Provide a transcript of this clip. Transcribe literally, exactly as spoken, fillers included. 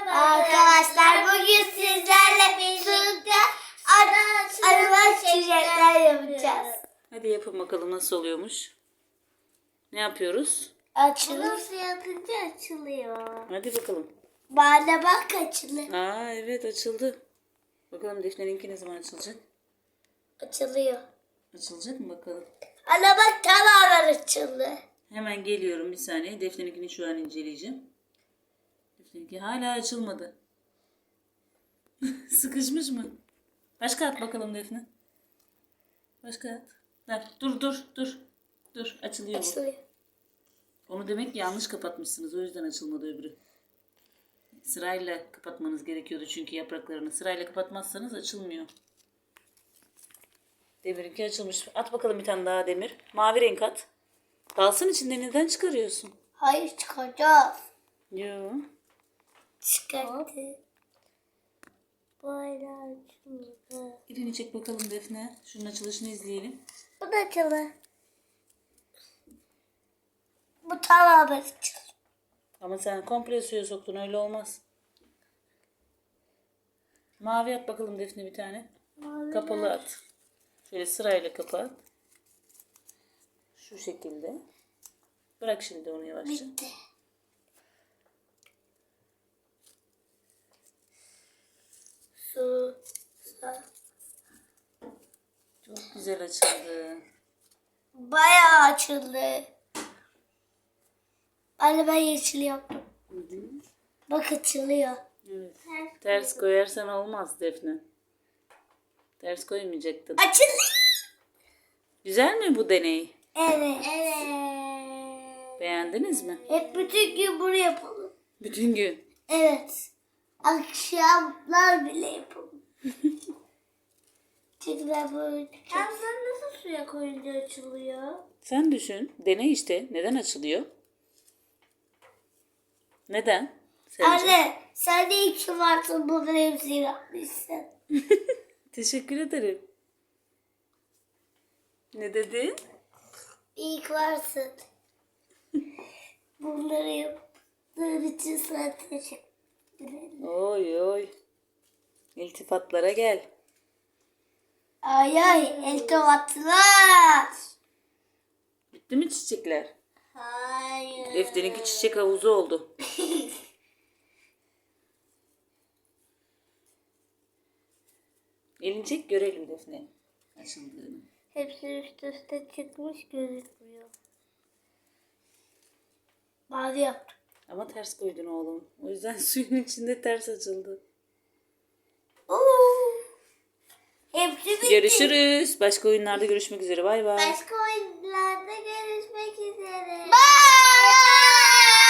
Arkadaşlar bugün sizlerle birlikte araba çiçekler yapacağız. Hadi yapın bakalım nasıl oluyormuş. Ne yapıyoruz? Açılıyor. Nasıl yapınca açılıyor. Hadi bakalım. Bana bak açılıyor. Aa evet açıldı. Bakalım Defne'ninki ne zaman açılacak? Açılıyor. Açılacak mı bakalım? Ana bak tamamen açıldı. Hemen geliyorum bir saniye. Defne'ninkini şu an inceleyeceğim. Defne'ninki hala açılmadı. Sıkışmış mı? Başka at bakalım Defne. Başka at. Ver. Dur dur dur. Dur açılıyor bu. Açılıyor. Onu demek ki yanlış kapatmışsınız. O yüzden açılmadı öbürü. Sırayla kapatmanız gerekiyordu çünkü yapraklarını. Sırayla kapatmazsanız açılmıyor. Demir'inki açılmış. At bakalım bir tane daha Demir. Mavi renk at. Kalsın içinde neden çıkarıyorsun? Hayır çıkacağız. Yo. Çıkarttı. Böyle açıldı. Elini çek bakalım Defne. Şunun açılışını izleyelim. Bu da açıldı. Bu tamamen açıldı. Ama sen komple suya soktun, öyle olmaz. Mavi at bakalım Defne bir tane. Mavi Kapalı at. Şöyle sırayla kapat. Şu şekilde. Bırak şimdi onu yavaşça. bitti. Su. Su. Çok güzel açıldı. Bayağı açıldı. Anne ben yeşil yaptım. Hı hı. Bak açılıyor. Evet. Ters koyarsan olmaz Defne. Ters koymayacaktın. Açıldı. Güzel mi bu deney? Evet. Evet. Beğendiniz mi? Hep bütün gün bunu yapalım. Bütün gün. Evet. Akşamlar bile yapalım. Çünkü ben böyle... Hem sen nasıl suya koyunca açılıyor? Sen düşün. Deney işte. Neden açılıyor? Neden? Sence? Anne sen de iyi ki varsın, bunların hepsini yapmışsın. Teşekkür ederim. Ne dedin? İyi ki varsın. Bunları yaptığın için sana teşekkür ederim. Oy oy. İltifatlara gel. Ay ay eltifatlar. Bitti mi çiçekler? Hayır. Defter'inki çiçek havuzu oldu. Elini çek görelim Defne açıldığını. Hepsi üst üste çıkmış gözükmüyor. Mavi yaptım. Ama ters koydun oğlum. O yüzden suyun içinde ters açıldı. Oo. Hepsi bitti. Görüşürüz. Başka oyunlarda görüşmek üzere. Bay bay. Başka oyunlarda